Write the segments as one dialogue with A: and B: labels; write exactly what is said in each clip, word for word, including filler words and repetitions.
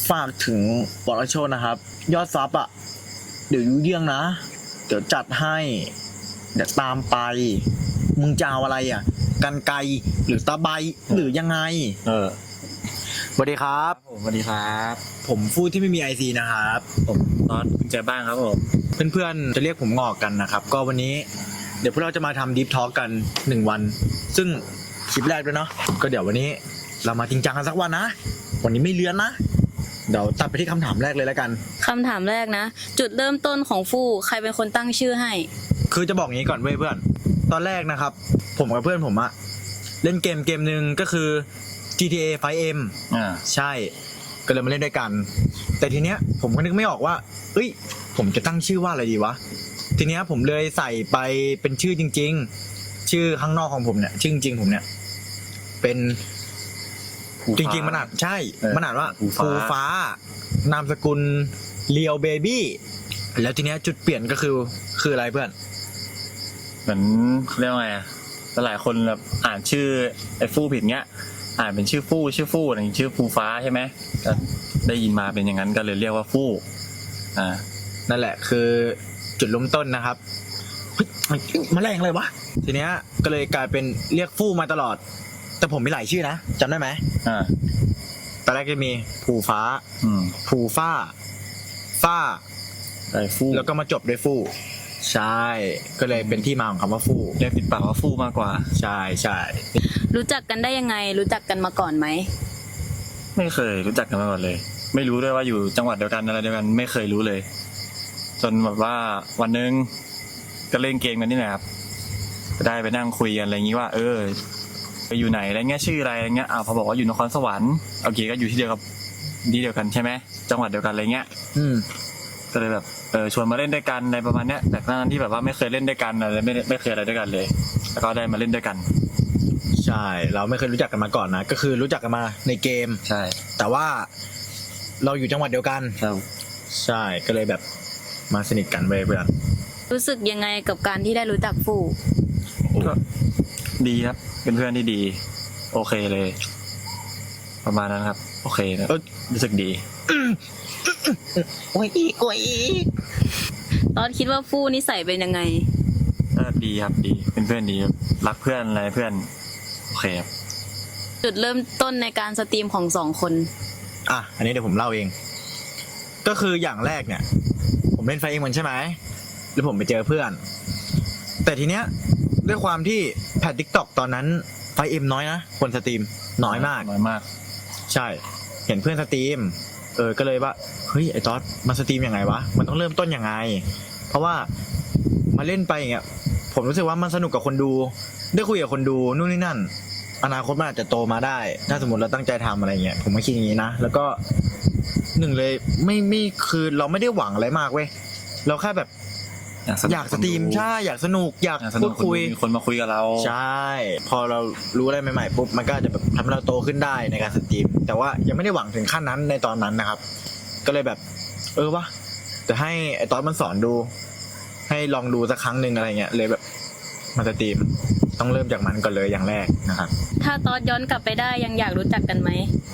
A: ฝากถึงบอลโชนนะครับยอดซับอ่ะเดี๋ยวยูเยี่ยงนะเดี๋ยวจัดให้เดี๋ยวตามไปมึงจะเอาอะไรอ่ะกันไกหรือตะไบหรือยังไง
B: เออ
A: สวัสดีครับ
B: ผมสวัสดีครับ
A: ผมฟูดที่ไม่มีไอซีนะครับ
B: ผมตอนคุณใจบ้างครับผม
A: เพื่อนๆจะเรียกผมงอกกันนะครับก็วันนี้เดี๋ยวพวกเราจะมาทำดิฟทอล์กกันหนึ่งวันซึ่งคลิปแรกด้วยเนาะก็เดี๋ยววันนี้เรามาจริงจังกันสักวันนะวันนี้ไม่เลื้อนนะเดี๋ยวตัดไปที่คำถามแรกเลยแล้วกัน
C: คำถามแรกนะจุดเริ่มต้นของฟู่ใครเป็นคนตั้งชื่อให้
A: คือจะบอกงี้ก่อนเว้ยเพื่อนตอนแรกนะครับผมกับเพื่อนผมอะเล่นเกมเกมหนึ่งก็คือ จี ที เอ ไฟว์ เอ็ม
B: อ่า
A: ใช่ก็เลยมาเล่นด้วยกันแต่ทีเนี้ยผมก็นึกไม่ออกว่าเอ้ยผมจะตั้งชื่อว่าอะไรดีวะทีเนี้ยผมเลยใส่ไปเป็นชื่อจริงๆชื่อข้างนอกของผมเนี่ยชื่อจริงๆผมเนี่ยเป็นจริงๆมันอ่านใช่มันอ่านว่าภูฟ้านามสกุลเลียวเบบี้แล้วทีเนี้ยจุดเปลี่ยนก็คือคืออะไรเพื่อน
B: เหมือนเรียกว่าไงหลายคนแบบอ่านชื่อไอ้ฟู่ผิดเงี้ยอ่านเป็นชื่อฟู่ชื่อฟู่อะไรชื่อภูฟ้าใช่ไหมก็ได้ยินมาเป็นอย่างนั้นก็เลยเรียกว่าฟู่อ่า
A: นั่นแหละคือจุดเริ่มต้นนะครับมาแรงเลยวะทีเนี้ยก็เลยกลายเป็นเรียกฟู่มาตลอดแต่ผมมีหลายชื่อนะจำได้ไหม
B: อ่า
A: ตอนแรกจะมีภูฟ้า
B: อืม
A: ภูฟ้าฟ้า
B: ไอ้ฟู่
A: แล้วก็มาจบด้วยฟู่ใช่ก็เลยเป็นที่มาของคำว่าฟู่
B: เรียกติดปากว่าฟู่มากกว่า
A: ใช่ใช่
C: รู้จักกันได้ยังไงรู้จักกันมาก่อนไหม
B: ไม่เคยรู้จักกันมาก่อนเลยไม่รู้ด้วยว่าอยู่จังหวัดเดียวกันอะไรเดียวกันไม่เคยรู้เลยจนแบบว่าวันนึงก็เล่นเกมกันนี่แหละครับได้ไปนั่งคุยกันอะไรอย่างนี้ว่าเออไปอยู่ไหนอะไรเงี้ยชื่ออะไรอะไรเงี้ยอ้าวพอบอกว่าอยู่นครสวรรค์โอเคก็อยู่ที่เดียวกับที่เดียวกันใช่ไหมจังหวัดเดียวกันอะไรเงี้ย
A: อืม
B: ก็เลยแบบเออชวนมาเล่นด้วยกันในประมาณเนี้ยแต่ตอนนั้นที่แบบว่าไม่เคยเล่นด้วยกันอะไรไม่ไม่เคยอะไรด้วยกันเลยแล้วก็ได้มาเล่นด้วยกัน
A: ใช่เราไม่เคยรู้จักกันมาก่อนนะก็คือรู้จักกันมาในเกม
B: ใช่
A: แต่ว่าเราอยู่จังหวัดเดียวกัน
B: ครับ
A: ใช่ก็เลยแบบมาสนิทกันเว้ยเพื่อน
C: รู้สึกยังไงกับการที่ได้รู้จักฟู่
B: ก็ดีครับเป็นเพื่อนที่ดีโอเคเลยประมาณนั้นครับโอเคนะรู้สึกดี
A: โอ้ยอีกโอ้ยอีก
C: ตอนคิดว่าฟู่นิสัยเป็นยังไง
B: ก็ดีครับดีเป็นเพื่อนดีรักเพื่อนอะไรเพื่อนโอเคครับ
C: จุดเริ่มต้นในการสตรีมของสองคน
A: อ่ะอันนี้เดี๋ยวผมเล่าเองก็คืออย่างแรกเนี่ยผมเล่นไฟเองมันใช่ไหมแล้วผมไปเจอเพื่อนแต่ทีเนี้ยด้วยความที่แพททิกตอกตอนนั้นไฟเอ็มน้อยนะคนสตรีมน้อยมาก
B: น้อยมาก
A: ใช่เห็นเพื่อนสตรีมเออก็เลยว่าเฮ้ยไอ้ต๊อดมันสตรีมยังไงวะมันต้องเริ่มต้นยังไงเพราะว่ามาเล่นไปอย่างเงี้ยผมรู้สึกว่ามันสนุกกับคนดูได้คุยกับคนดูนู่นนี่นั่นอนาคตมันอาจจะโตมาได้ถ้าสมมติเราตั้งใจทำอะไรเงี้ยผมก็คิดอย่างนี้นะแล้วก็หนึ่งเลยไม่ไม่คือเราไม่ได้หวังอะไรมากเว้ยเราแค่แบบอยากสตรีมใช่อยากสนุกอยากพูดคุย
B: มีคนมาคุยกับเรา
A: ใช่พอเรารู้อะไรใหม่ๆปุ๊บมันก็จะแบบทำให้เราโตขึ้นได้ในการสตรีมแต่ว่ายังไม่ได้หวังถึงขั้นนั้นในตอนนั้นนะครับก็เลยแบบเออวะจะให้ไอ้ตอนมันสอนดูให้ลองดูสักครั้งหนึ่งอะไรเงี้ยเลยแบบมาสตรีมต้องเริ่มจากมันก่อนเลยอย่างแรกนะครับ
C: ถ้าตอนย้อนกลับไปได้ยังอยากรู้จักกันไหม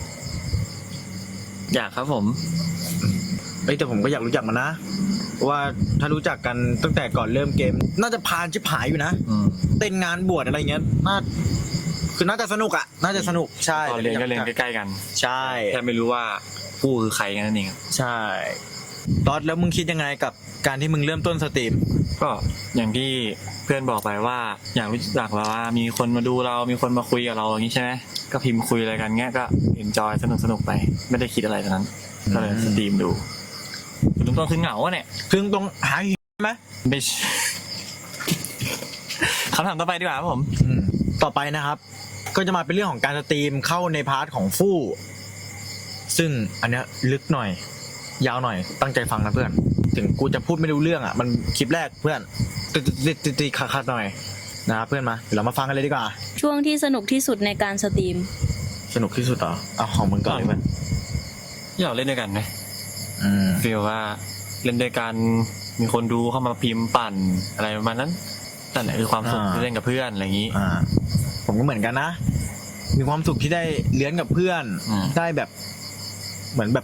B: อยากครับผม
A: เอ้ยแต่ผมก็อยากรู้จักมันนะว่าถ้ารู้จักกันตั้งแต่ก่อนเริ่มเกมน่าจะพานชิบหายอยู่นะเต้นงานบวชอะไรเงี้ยน่าคือน่าจะสนุกอ่ะน่าจะสนุกใช่
B: ตอนเรียนก็เรียนใกล้ๆกัน
A: ใช่
B: แค่ไม่รู้ว่าผู้คือใครกันนั่นเอง
A: ใช่ตอนแล้วมึงคิดยังไงกับการที่มึงเริ่มต้นสตรีม
B: ก็อย่างที่เพื่อนบอกไปว่าอยากรู้จักเราว่ามีคนมาดูเรามีคนมาคุยกับเราอย่างนี้ใช่ไหมก็พิมพ์คุยอะไรกันเงี้ยก็เอนจอยสนุกสนุกไปไม่ได้คิดอะไรตอนนั้นก็เลยสตรีมดูตรงต้นคือเหงาเนี่ย
A: คือตรงหาไหม
B: ไม่คำถามต่อไปดีกว่าครับผม
A: ต่อไปนะครับก็จะมาเป็นเรื่องของการสตรีมเข้าในพาร์ทของฟู่ซึ่งอันเนี้ยลึกหน่อยยาวหน่อยตั้งใจฟังนะเพื่อนถึงกูจะพูดไม่รู้เรื่องอ่ะมันคลิปแรกเพื่อนติดติดติดติดขาดหน่อยนะเพื่อนมาเดี๋ยวเรามาฟังกันเลยดีกว่า
C: ช่วงที่สนุกที่สุดในการสตรีม
A: สนุกที่สุดเหรอเอาของมึงก่อนเลยเพื่อน
B: อยากเล่นด้วยกันไหมฟีลว่าเล่นด้วยกันมีคนดูเข้ามาพิมพ์ปั่นอะไรประมาณนั้นนั่นแหละคือความสุขที่เล่นกับเพื่อนอะไรอย่างนี้
A: ผมก็เหมือนกันนะมีความสุขที่ได้เลี้ยงกับเพื่อนได้แบบเหมือนแบบตี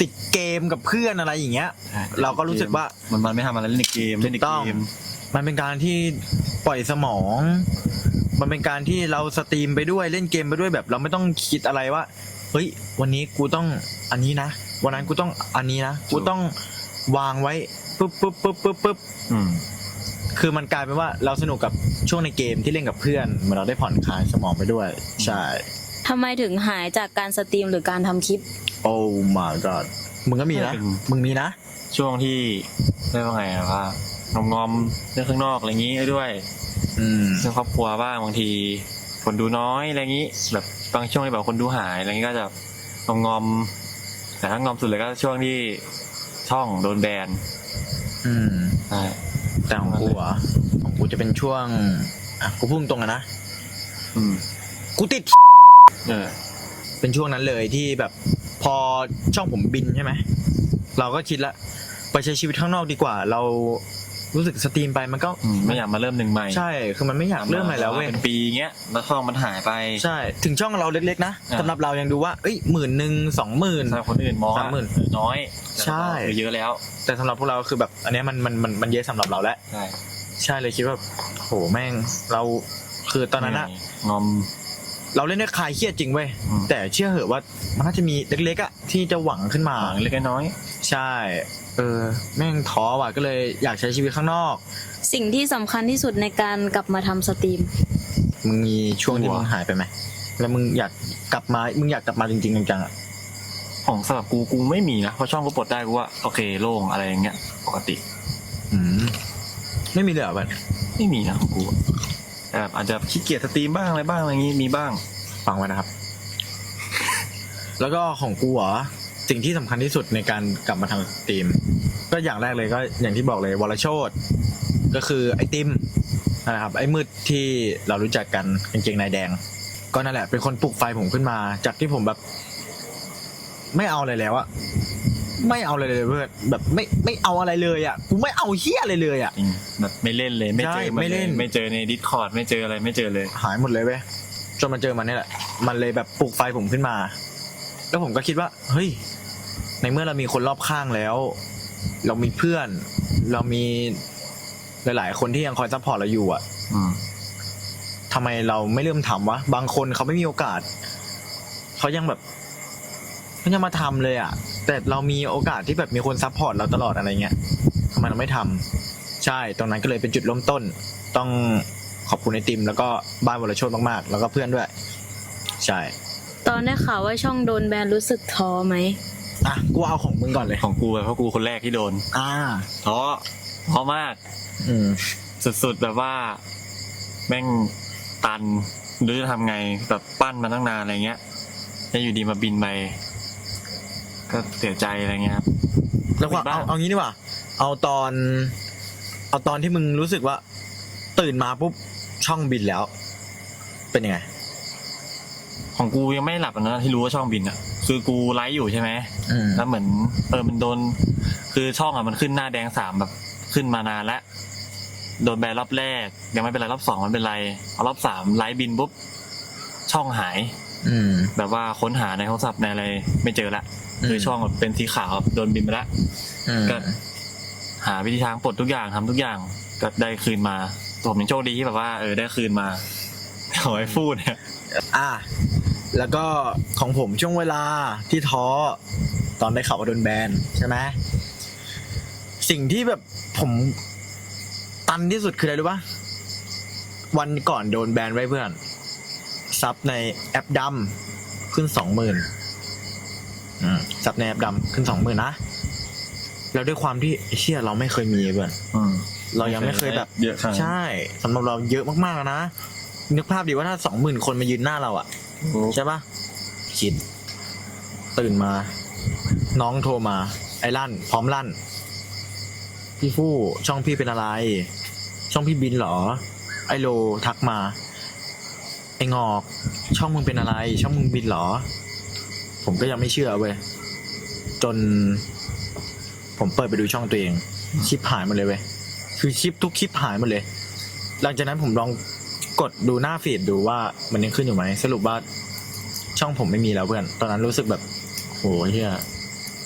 A: ติดเกมกับเพื่อนอะไรอย่างเงี้ย เราก็รู้สึกว่า
B: มันมันไม่ทำอะไรเล่นในเกมเล่นใน
A: ต้อง
B: เกม
A: มันเป็นการที่ปล่อยสมอง มันเป็นการที่เราสตรีมไปด้วยเล่นเกมไปด้วยแบบ เราไม่ต้องคิดอะไรว่าเฮ้ยวันนี้กูต้องอันนี้นะวันนั้นกูต้องอันนี้นะกูต้องวางไว้ปุ๊บปุ๊บปุ๊บปุ๊บปุ๊บ
B: อืม
A: คือมันกลายเป็นว่าเราสนุกกับช่วงในเกมที่เล่นกับเพื่อนเหมือนเราได้ผ่อนคลายสมองไปด้วยใช่
C: ทำไมถึงหายจากการสตรีมหรือการทำคลิป
A: โอ้ my god มึงก็มีนะ
B: เป็น
A: มึงมีนะ
B: ช่วงที่เรียกว่าไงอะว่างอมงอมๆเรื่องข้างนอกอะไรอย่างงี้ด้วย
A: อืม
B: เรื่องครอบครัวบ้างบางทีคนดูน้อยอะไรอย่างงี้ แบบบางช่วงที่แบบคนดูหายอะไรอย่างงี้ก็จะงอมงอมๆแต่ถ้างอมสุดเลยก็ช่วงที่ช่องโดนแบน
A: อืม
B: ใช่
A: แต่ของกูอ่ะของกูจะเป็นช่วงอ่ะกูพูดตรงๆอะนะ
B: อืม
A: กูติด
B: เออ
A: เป็นช่วงนั้นเลยที่แบบพอช่องผมบินใช่ไหมเราก็คิดละไปใช้ชีวิตข้างนอกดีกว่า เรารู้สึกสตรีมไปมันก็
B: อืมไม่อยากมาเริ่มหนึ่งใหม่
A: ใช่คือมันไม่อยากเริ่มใหม่แล้วเว้ย
B: เป็นปีเงี้ยแล้วช่องมันหายไป
A: ใช่ถึงช่องเราเล็กๆนะ
B: อ่า
A: สำหรับเรายังดูว่าเอ้ยหมื่นหนึ่งสองหมื่น
B: สำหรับคนอื่นมอง
A: สามหมื่น
B: เออน้อยแต่
A: ใช่
B: เราก็คือเยอะแล้ว
A: แต่สำหรับพวกเราคือแบบอันเนี้ยมันมันมันมันเยอะสำหรับเราแล้ว
B: ใช่
A: ใช่เลยคิดว่าโหแม่งเราคือตอนนั้นอะ
B: งอม
A: เราเล่นได้คลายเครียดจริงเว้ย
B: อืม
A: แต่เชื่อเหอะว่ามันน่าจะมีเล็กๆอะที่จะหวังขึ้นมา
B: หวังเล็กน้อย
A: ใช่ เออ แม่งท้อว่ะก็เลยอยากใช้ชีวิตข้างนอก
C: สิ่งที่สำคัญที่สุดในการกลับมาทำสตรีม
A: มึงมีช่วงที่มึงหายไปไหมแล้วมึงอยากกลับมามึงอยากกลับมาจริงๆจังๆอะ
B: ของสำหรับกูกูไม่มีนะเพราะช่องกูปลดได้กูว่าโอเคโล่งอะไรอย่างเงี้ยปกติ
A: อืมไม่มีเลยเหรอแบบ
B: ไม่มีนะของกูแต่แบบอาจจะขี้เกียจสตรีมบ้างอะไรบ้างอะไรอย่างงี้มีบ้าง
A: ฟังไว้นะครับ แล้วก็ของกูเหรอสิ่งที่สำคัญที่สุดในการกลับมาทำสตรีม ก็อย่างแรกเลยก็อย่างที่บอกเลยวรโชตก็คือไอติมนะครับไอ้มืดที่เรารู้จักกันกางเกงในแดง ก็นั่นแหละเป็นคนปลุกไฟผมขึ้นมา จากที่ผมแบบ ไม่เอาอะไรแล้วอะไม่เอาอะไรเลยเพื่อนแบบไม่ไม่เอาอะไรเลยอะกูไม่เอาเฮี้ยอะไรเลยอะ
B: จริงแบบไม่เล่นเลยไม่เจอ
A: ใช่
B: น
A: ไม่เล่น
B: ไม่เจอในดิสคอร์ดไม่เจออะไรไม่เจอเลย
A: หายหมดเลยเว้ยจนมาเจอมันนี่แหละ มันเลยแบบปลุกไฟผมขึ้นมา แล้วผมก็คิดว่า เฮ้ย ในเมื่อเรามีคนรอบข้างแล้ว เรามีเพื่อน เรามีหลาย ๆ คนที่ยังคอยซัพพอร์ตเราอยู่อ่ะ
B: อืม
A: ทำไมเราไม่เริ่มทำวะบางคนเขาไม่มีโอกาสเขายังแบบเขายังมาทำเลยอ่ะ แต่เรามีโอกาสที่แบบมีคนซัพพอร์ตเราตลอดอะไรเงี้ยทำไมเราไม่ทำใช่ตรงนั้นก็เลยเป็นจุดเริ่มต้น ต้องขอบคุณไอติม แล้วก็บ้านวรโชตมากๆ แล้วก็เพื่อนด้วย ใช่
C: ตอนได้ข่าวว่าช่องโดนแบนรู้สึกท้อไหม
A: อ่ะกูเอาของมึงก่อนเลย
B: ของกูอะเพราะกูคนแรกที่โดน
A: อ่า
B: ท้อท้อมาก
A: อืม
B: สุดๆแบบว่า แม่งตันหรือจะทำไงแบบปั้นมาตั้งนานอะไรเงี้ยแล้วอยู่ดีมาบินไปก็เสียใจอะไรเงี้ยครับ
A: แล้วก็
B: มีบ้า
A: เอา
B: ง
A: เอางี้ดีกว่า เอาตอน เอาตอนที่มึงรู้สึกว่า ตื่นมาปุ๊บช่องบินแล้ว เป็นยังไง
B: ของกูยังไม่หลับนะที่รู้ว่าช่องบินอ่ะ คือกูไลฟ์อยู่ใช่ไหม
A: อืม
B: แล้วเหมือนเออมันโดน คือช่องอ่ะมันขึ้นหน้าแดงสามแบบขึ้นมานานแล้วโดนแบนรอบแรกยังไม่เป็นไรรอบสองมันเป็นไรเอารอบสามไลฟ์บินปุ๊บช่องหาย
A: อืม
B: แบบว่าค้นหาในโทรศัพท์ในอะไรไม่เจอละ
A: อืม
B: คือช่องแบบเป็นสีขาวแบบโดนบินไปละ
A: อืม
B: ก็หาวิธีทางปลดทุกอย่างทำทุกอย่างก็ได้คืนมาตัวผมยังโชคดีที่แบบว่าเออได้คืนมาแต่ของไอ้ฟูดเนี่ย
A: อ่ะแล้วก็ของผมช่วงเวลาที่ท้อตอนได้ข่าวว่าโดนแบนใช่ไหมสิ่งที่แบบผมตันที่สุดคืออะไรรู้ปะวันก่อนโดนแบนไว้เพื่อนซับในแอปดำขึ้นสองหมื่นซับในแอปดำขึ้นสองหมื่นนะแล้วด้วยความที่ไอ้เชี่ยเราไม่เคยมีเพื่อน
B: อืม
A: เรายังไม่เคยแบบ
B: เยอะขนาดนั้น
A: ใช่สำหรับเราเยอะมากๆนะนึกภาพดิว่าถ้าสองหมื่นคนมายืนหน้าเราอะใช่ปะคิด ตื่นมา น้องโทรมา ไอ้ลั่น พร้อมลั่น พี่ฟู่ช่องพี่เป็นอะไร ช่องพี่บินเหรอ ไอโลทักมา ไองอก ช่องมึงเป็นอะไร ช่องมึงบินเหรอ ผมก็ยังไม่เชื่อเว้ยจน ผมเปิดไปดูช่องตัวเองคลิปหายหมาเลยเว้ยคือคลิปทุกคลิปหายหมดเลย หลังจากนั้นผมลองกดดูหน้าฟีดดูว่ามันยังขึ้นอยู่ไหมสรุปว่าช่องผมไม่มีแล้วเพื่อนตอนนั้นรู้สึกแบบโหเฮีย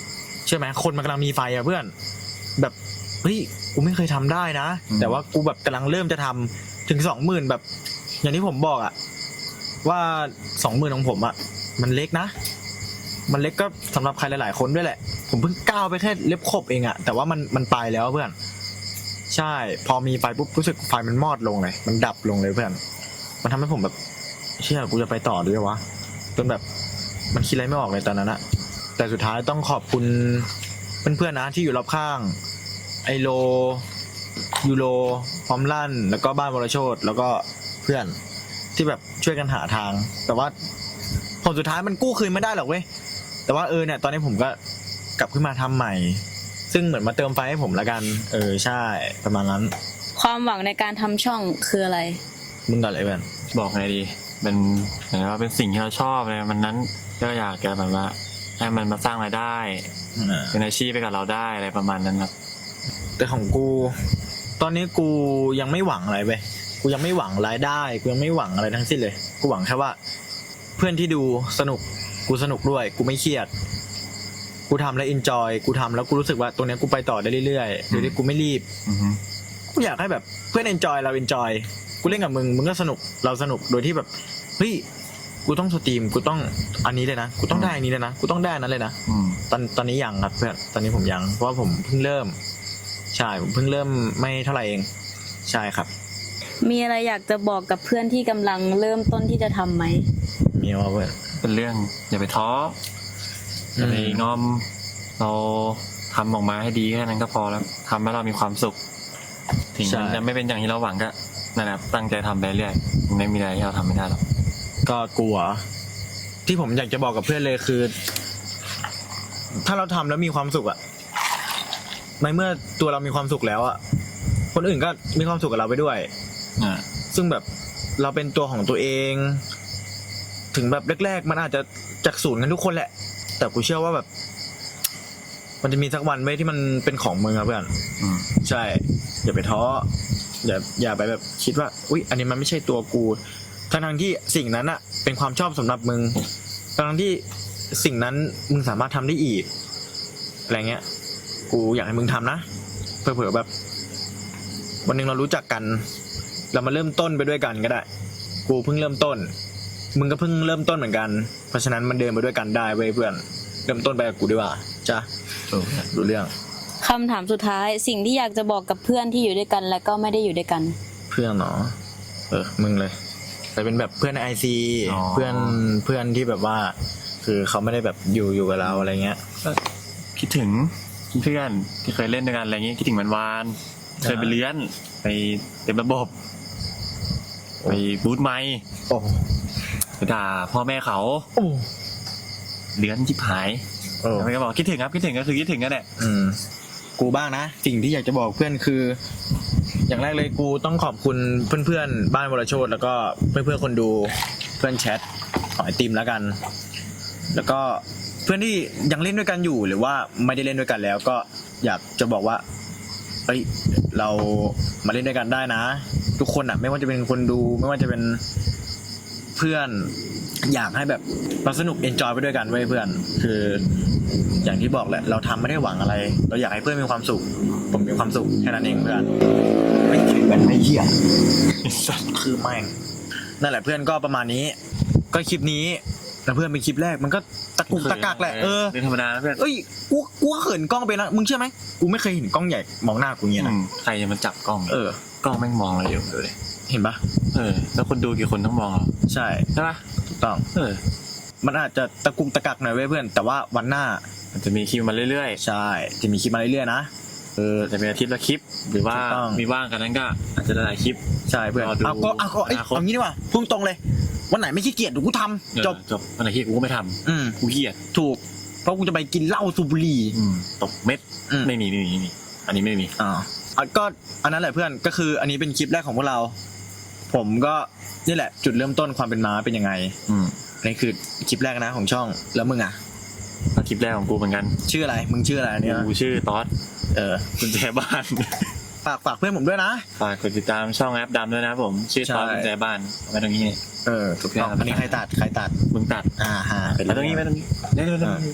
A: เชื่อไหมคนมันกำลังมีไฟอะเพื่อนแบบเฮ้ยกูไม่เคยทำได้นะ
B: อืม
A: แต่ว่ากูแบบกำลังเริ่มจะทำถึงสองหมื่นแบบ อย่างที่ผมบอกอะว่าสองหมื่นของผมอะมันเล็กนะ มันเล็กก็สำหรับใครหลายๆคนด้วยแหละ ผมเพิ่งก้าวไปแค่เล็บขบเองอะแต่ว่ามันมันไปแล้วเพื่อน ใช่ พอมีไฟปุ๊บรู้สึกไฟมันมอดลงเลย มันดับลงเลยเพื่อน มันทำให้ผมแบบเชื่อกูจะไปต่อด้วยวะจนแบบมันคิดอะไรไม่ออกเลยตอนนั้นอะแต่สุดท้ายต้องขอบคุณเพื่อนๆนะที่อยู่รอบข้าง ไอโลยูโรพร้อมลั่นแล้วก็บ้านวรโชตแล้วก็เพื่อนที่แบบช่วยกันหาทาง แต่ว่าผลสุดท้ายมันกู้คืนไม่ได้หรอกเว้ยแต่ว่าเออเนี่ยตอนนี้ผมก็กลับขึ้นมาทำใหม่ ซึ่งเหมือนมาเติมไฟให้ผมละกัน เออใช่ประมาณนั้น
C: ความหวังในการทำช่องคืออะไร
A: มึงก่อนเลยเพื่อน
B: บอกไงดีเป็นเหมือนว่าเป็นสิ่งที่เราชอบเลยมันนั้นก็อยากจะแบบว่าให้มันมาสร้างรายได้
A: อ่า
B: เป็นอาชีพไปกับเราได้อะไรประมาณนั้นครับ
A: แต่ของกู ตอนนี้กูยังไม่หวังอะไรเว้ยกูยังไม่หวังรายได้กูยังไม่หวังอะไรทั้งสิ้นเลยกูหวังแค่ว่า เพื่อนที่ดูสนุกกูสนุกด้วย กูไม่เครียด กูทำแล้วอินจอยกูทำแล้วกูรู้สึกว่าตรงเนี้ยกูไปต่อได้เรื่อยๆโดยที่กูไม่รีบ
B: อือฮึ
A: กูอยากให้แบบเพื่อนเอนจอยเราเอนจอยกูเล่นกับมึงมึงก็สนุกเราสนุกโดยที่แบบเฮ้ยกูต้องสตรีมกูต้องอันนี้เลยนะกูต้องได้อันนี้เลยนะกูต้องได้อันนั้นเลยนะ
B: อืม
A: ตอนตอนนี้ยังครับเพื่อนตอนนี้ผมยังเพราะว่าผมเพิ่งเริ่ม ใช่ผมเพิ่งเริ่มไม่เท่าไหร่เองใช่ครับ
C: มีอะไรอยากจะบอกกับเพื่อนที่กำลังเริ่มต้นที่จะทำไหม
A: มีว่าเพื่อน
B: เป็นเรื่องอย่าไปท้ออย่าไปงอมเราทำออกมาให้ดีแค่นั้นก็พอแล้วทำให้เรามีความสุขถึงมันจะไม่เป็นอย่างที่เราหวังก็นั่นแหละตั้งใจทำไปเรื่อยไม่มีอะไรที่เราทำไม่ได้หรอก
A: ก็กลัว ที่ผมอยากจะบอกกับเพื่อนเลยคือ ถ้าเราทำแล้วมีความสุขอะในเมื่อตัวเรามีความสุขแล้วอะคนอื่นก็มีความสุขกับเราไปด้วย
B: อ่า
A: ซึ่งแบบเราเป็นตัวของตัวเอง ถึงแบบแรกๆมันอาจจะจากศูนย์กันทุกคนแหละ แต่กูเชื่อว่าแบบ มันจะมีสักวันไว้ยที่มันเป็นของมึงอะเพื่อน
B: อืม
A: ใช่ อย่าไปท้ออย่าอย่าไปแบบคิดว่าอุ๊ยอันนี้มันไม่ใช่ตัวกูทั้งทั้งๆที่สิ่งนั้นอะเป็นความชอบสำหรับมึงทั้งทั้งๆที่สิ่งนั้นมึงสามารถทำได้อีกอะไรเงี้ย กูอยากให้มึงทำนะเผื่อๆแบบ วันหนึ่งเรารู้จักกัน เรามาเริ่มต้นไปด้วยกันก็ได้ กูเพิ่งเริ่มต้น มึงก็เพิ่งเริ่มต้นเหมือนกัน เพราะฉะนั้นมันเดินไปด้วยกันได้เว้ยเพื่อน เริ่มต้นไปกับกูดีกว่าจ้ะ
B: ถูก
A: รู้เรื่อง
C: คำถามสุดท้ายสิ่งที่อยากจะบอกกับเพื่อนที่อยู่ด้วยกันและก็ไม่ได้อยู่ด้วยกัน
A: เพื่อนเนาะเออ มึงเลย แต่เป็นแบบเพื่อนในไอซีเพื่อนเพื่อนที่แบบว่า คือเขาไม่ได้แบบอยู่อยู่กับเราอะไรเงี้ย
B: ก็คิดถึงเพื่อนที่เคยเล่นด้วยกันอะไรอย่างงี้คิดถึงวันวานๆเคยไปเลี้ยนไปเต็มระบบไปบูธไมค์
A: โอ้
B: ไปด่าพ่อแม่เขา
A: โอ้
B: เลี้ยนชิบหาย
A: โอ้
B: แล้วมันก็บอกคิดถึงครับคิดถึงก็คือคิดถึงกันแหละ
A: อืม กูบ้างนะ สิ่งที่อยากจะบอกเพื่อนคือ อย่างแรกเลยกูต้องขอบคุณเพื่อนๆบ้านวรโชตแล้วก็เพื่อนๆคนดูเพื่อนแชทของไอติมแล้วกัน แล้วก็เพื่อนที่ยังเล่นด้วยกันอยู่หรือว่าไม่ได้เล่นด้วยกันแล้ว ก็อยากจะบอกว่าเอ้ยเรามาเล่นด้วยกันได้นะ ทุกคนอ่ะ ไม่ว่าจะเป็นคนดู ไม่ว่าจะเป็นเพื่อน อยากให้แบบเราสนุกเอนจอยไปด้วยกันเว้ยเพื่อน คือ อย่างที่บอกแหละ เราทำไม่ได้หวังอะไร เราอยากให้เพื่อนมีความสุข ผมมีความสุขแค่นั้นเองเพื่อนไม่ถือกันไม่เหี้ยคือแม่งนั่นแหละเพื่อนก็ประมาณนี้ ก็คลิปนี้แล้วเพื่อนเป็นคลิปแรกมันก็ตะกุกตะกักแหละเออ
B: เป็นธรรมดานะเพื่อน
A: เอ้ยกูกูก็เขินกล้องไปนะมึงเชื่อไหมกูไม่เคยเห็นกล้องใหญ่มองหน้ากูเงี้ย
B: อื
A: นะ
B: มใครจะมาจับกล้อง
A: เออ
B: กล้องแม่งมองเราอยู่ดูดิ
A: เห็นปะ
B: เออแล้วคนดูกี่คนต้องมองเรา
A: ใช่
B: ใช่ปะ
A: ถูกต้อง
B: เออ
A: มันอาจจะตะกุกตะกักหน่อยเว้ยเพื่อน แต่ว่าวันหน้า
B: มันจะมีคิวมาเรื่อย
A: ใช่จะมีคลิปมาเรื่อยๆนะเออ
B: ๆจะเป็นอาทิตย์ละคลิป หรือว่า
A: ถูกต้อง
B: มีว่างกันนั้นก็อาจจะได้หลายคลิป
A: ใช่เพื่อน
B: รอดู
A: เอาก็เอาก็เอ้ย
B: อนาคต
A: เอางี้ดีกว่าพุ่งตรงเลย วันไหนไม่ขี้เกียจเดี๋ยวกูท
B: เออ
A: ำจบ
B: จบวันไหนที่กูก็ไม่ท
A: อืม
B: ำกูเกียด
A: ถูก เพราะกูจะไปกินเหล้าสูบบุหรี่
B: อืมตกเม็ด
A: อืม
B: ไม่มีไม่มีไม่มีอันนี้ไม่มี
A: อ่าอ่ะก็อันนั้นแหละเพื่อนก็คืออันนี้เป็นคลิปแรกของพวกเรา ผมก็นี่แหละ จุดเริ่มต้นความเป็นม้าเป็นยังไง
B: อืม
A: อันนี้คือคลิปแรกนะของช่องแล้วมึงอ่ะ
B: แล้วคลิปแรกของกูเหมือนกัน
A: ชื่ออะไรมึงชื่ออะไรเนี่ย
B: กูชื่อต๊อด
A: เออ
B: กุญแจบ้าน
A: ฝากฝากเพื่อนผมด้วยนะ
B: ฝากกดติดตามช่องแอปดำด้วยนะครับผมชื่อต๊อด
A: ใช่
B: กุญแจบ้านไว้ตรงนี้
A: เออถูกต้องอันนี้ใครตัดใครตัด
B: มึงตัด
A: อ่าฮะ
B: ไว้ตรงนี้ไว้ตรงนี้ได้เลยได้เลย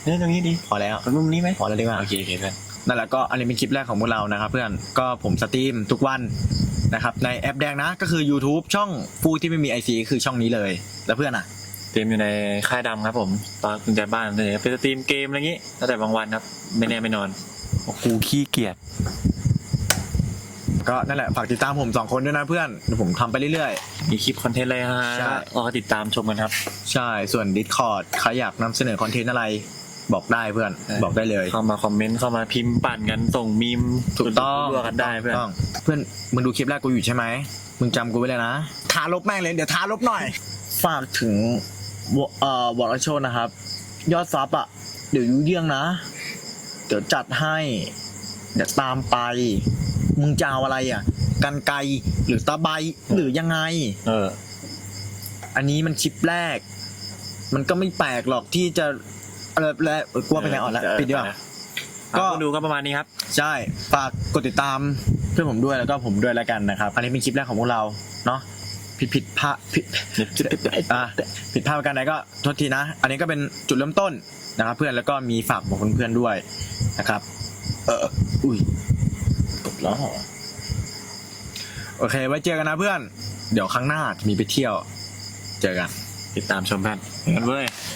B: เนี่ยตรงนี้ดี
A: พอแล้ว
B: ตรงมุมนี้ไหม
A: พอแล้วดีกว่า
B: โอเคโอเคเพื่อน
A: นั่นแหละก็อันนี้เป็นคลิปแรกของพวกเรานะครับเพื่อนก็ผมสตรีมทุกวันนะครับในแอปแดงนะก็คือ YouTube ช่องฟูที่ไม่มี ไอ ซี คือช่องนี้เลยแล้วเพื่อนอ่ะ
B: เตรียมอยู่ในค่ายดำครับผมตอนคุณใจบ้านเลยไปสตรีมเกมอะไรอย่างงี้แล้วแต่บางวันครับไม่แน่ไม่นอนโอ้กูขี้เกียจ
A: ก็นั่นแหละฝากติดตามผมสองคนด้วยนะเพื่อนเดี๋ยวผมทำไปเรื่อย
B: มีคลิปคอนเทนต์อะไรฮะ
A: ใช่
B: รอติดตามชมกันครับ
A: ๆ ใช่ส่วน Discord ใครอยากนำเสนอคอนเทนต์อะไรบอกได้เพื่อน
B: ใช่
A: บอกได้เลย
B: เข้ามาคอมเมนต์เข้ามาพิมพ์ปั่นกันส่งมีม
A: ถูกต้อง
B: รัวๆกันได้เพื่อน
A: ถูกต้องเพื่อนมึงดูคลิปแรกกูอยู่ใช่ไหมมึงจำกูไว้เลยนะทาลบแม่งเลยเดี๋ยวทาลบหน่อยฝากถึงวเอ่อวอลโชนะครับ ยอดซับอ่ะเดี๋ยวยูเยี่ยงนะ เดี๋ยวจัดให้เดี๋ยวตามไป มึงจะเอาอะไรอ่ะ กันไกรหรือตะไบหรือยังไง
B: เออ
A: อันนี้มันชิปแรก มันก็ไม่แปลกหรอกที่จะอะไรแล้วกลัวไปไหนอ่อนแล้วปิดดีกว่า ก็
B: ก็ดูก็ประมาณนี้ครับ
A: ใช่ฝากกดติดตามเพื่อนผมด้วยแล้วก็ผมด้วยแล้วกันนะครับ อันนี้เป็นคลิปแรกของพวกเราเนาะผิดผิดพลาดผิดอ่ะผิดพลาดประการใดก็โทษทีนะ อันนี้ก็เป็นจุดเริ่มต้นนะครับเพื่อนแล้วก็มีฝากบอกเพื่อนๆด้วยนะครับ เอออุ้ยตกแล้วเหรอโอเคไว้เจอกันนะเพื่อน เดี๋ยวครั้งหน้าจะมีไปเที่ยว เจอกัน
B: ติดตามชมเพื่อนกันเว้ย